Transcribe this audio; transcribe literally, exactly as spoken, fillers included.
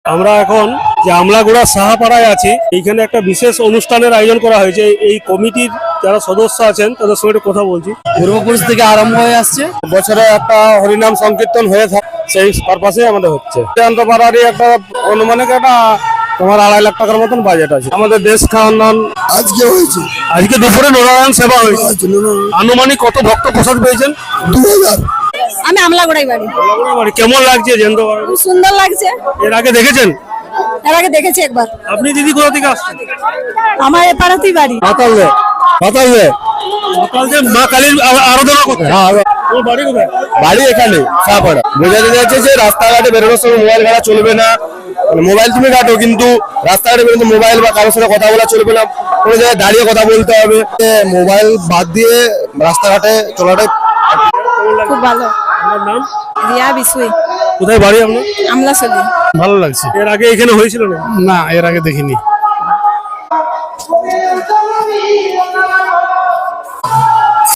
আমরা এখন যে আমলাগুড়া সাহাপাড়ায় আছি, এইখানে একটা বিশেষ অনুষ্ঠানের আয়োজন করা হয়েছে। এই কমিটির যারা সদস্য আছেন তাদের সঙ্গে একটু কথা বলছি। পূর্বপুরুষ থেকে আরম্ভ হয়ে আসছে, বছরে একটা হরিনাম সংকীর্তন হয়ে থাকে, সেই পারপাসে আমাদের হচ্ছে। পাড়ারই একটা অনুমানিক একটা তোমার আড়াই লাখ টাকার মতন বাজেট আছে। আমাদের দেশ খাওয়ান আজকে হয়েছে, আজকে দুপুরে নারায়ণ সেবা হয়েছে। আনুমানিক কত ভক্ত প্রসাদ পেয়েছেন? দু হাজার। আমি আমলাগোড়াই বাড়ি। বাড়ি কেমন লাগছে জেন্দ্র? খুব সুন্দর লাগছে। এর আগে দেখেছেন? এর আগে দেখেছি একবার। আপনি দিদি কোথা থেকে আসছেন? আমার এপাড়াতেই বাড়ি। মাতালদে। মাতালদে মাতালদে মা কালীর আ- আরাধনা করতে। হ্যাঁ ওর বাড়ি কোথায়? বাড়ি এখানে সাহাপাড়া। বোঝাতে যাচ্ছে যে রাস্তাঘাটে বেরোনোর সময় মোবাইল ঘাটা চলবে না। মানে মোবাইল তুমি ঘাটো, কিন্তু রাস্তাঘাটে বেরোতে মোবাইল বা কারোর সাথে কথা বলা চলবে না, কোনো জায়গায় দাঁড়িয়ে কথা বলতে হবে। মোবাইল বাদ দিয়ে রাস্তাঘাটে চলাটাই খুব ভালো। আপনার নাম? রিয়া বিসুই, কোথায় বাড়ি আপনার? আমলাসলি। ভালো লাগছে। এর আগে এখানে হয়েছিল না? না, এর আগে দেখিনি।